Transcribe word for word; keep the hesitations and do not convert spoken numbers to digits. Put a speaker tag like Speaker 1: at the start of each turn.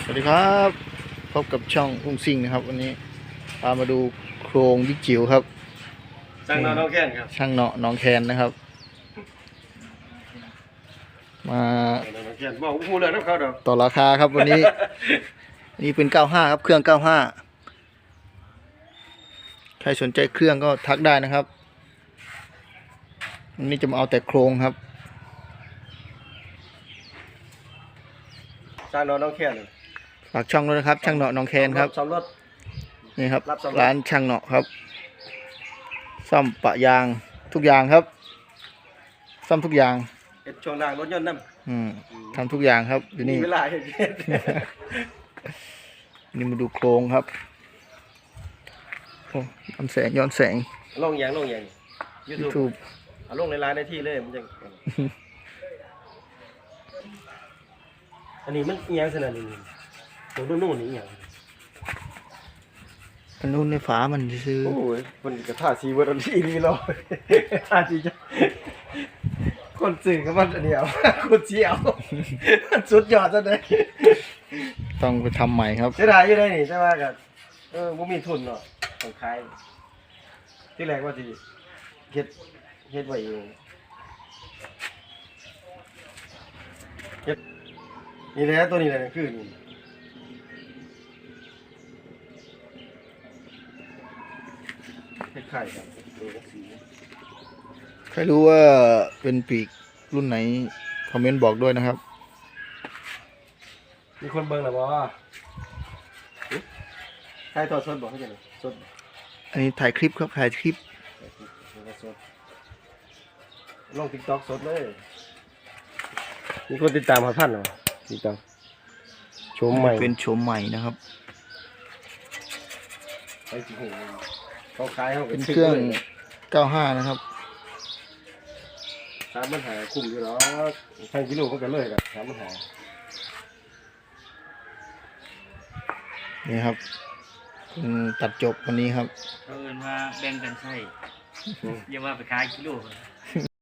Speaker 1: สวัสดีครับพบกับช่องอุ้งซิ่งนะครับวันนี้พามาดูโครงบิ๊กจิ๋วครับ
Speaker 2: ช่างเนาะน้องแค้นครับ
Speaker 1: ช่างเนาะน้องแคนนะครับมา
Speaker 2: น้องแค้นบอกพูดเลยน้ำเขาดอก
Speaker 1: ต่อราคาครับวันนี้ นี่เป็นเก้าห้าครับเครื่องเก้าห้าใครสนใจเครื่องก็ทักได้นะครับวันนี้จะมาเอาแต่โครงครับ
Speaker 2: ช่างเนาะน้องแค้น
Speaker 1: ฝากช่องด้วยนะครับช่างเนาะน้องแคนครับ
Speaker 2: ซ่อมรถ
Speaker 1: นี่ครับ
Speaker 2: รับซ่อมรถ
Speaker 1: ร้านช่างเนาะครับซ่อมปะยางทุกอย่างครับซ่อมทุกอย่าง
Speaker 2: เฮ็ดช่วงล่างรถยนต์นำ
Speaker 1: อืมทำทุกอย่างครับอยู่นี่
Speaker 2: มีเวลาเฮ็ด
Speaker 1: นี่มาดูโครงครับโอ้ย้อนแสงย้อนแสง
Speaker 2: ลงอย่างลงอย่าง
Speaker 1: ยูทู
Speaker 2: YouTube
Speaker 1: บ
Speaker 2: เอาลงในร้านได้ที่เลยมันจะอันนี้มันอีหยังขนาดนี้ตรงนู้นนี่อีหยัง
Speaker 1: อันนู้นในฝามันซื้อ
Speaker 2: โอ้ยคนกระทาสีเวอร์ที่นี่รอทาสีจะคนสื่อกับมันอันเดียวคนเสียวมันสุดยอดซะเลย
Speaker 1: ต้องไปทำใหม่ครับ
Speaker 2: เสียดายอยู่ได้นี่ใช่ไหมกับเออบ่มีทุนเนาะต้องขายที่แรกว่าสิเฮ็ดเฮ็ดไว้เองเฮ็ดนี่แหละตัวนี้แหละคือนี่เฮ็ดไข่ครับตัวสี
Speaker 1: ใครรู้ว่าเป็นปีกรุ่นไหนคอมเมนต์บอกด้วยนะครับ
Speaker 2: มีคนเบิ่งแล้วบ่ใครทอดสดบ่ให้จังได๋สด
Speaker 1: อันนี้ถ่ายคลิปครับถ่ายคลิป
Speaker 2: ลง TikTok สดเลยมีคนติดตามหาพันเหรอติดตามชมใหม่
Speaker 1: เป็นโฉมใหม่นะครับ
Speaker 2: ไปสิโหเขาขายเขาก็
Speaker 1: เป็น
Speaker 2: ซื้
Speaker 1: เครื่อง
Speaker 2: ลย
Speaker 1: เก้าห้านะครับ
Speaker 2: สามปัญหาคุ้มอยู่หรอกทางกิโลมันก็เลยครับสามปัญหา
Speaker 1: นี่ครับเป็นตัดจบวันนี้ครับ
Speaker 3: เขาเอินว่าแบ่งกันใช่อย่าว่าไปขายกิโล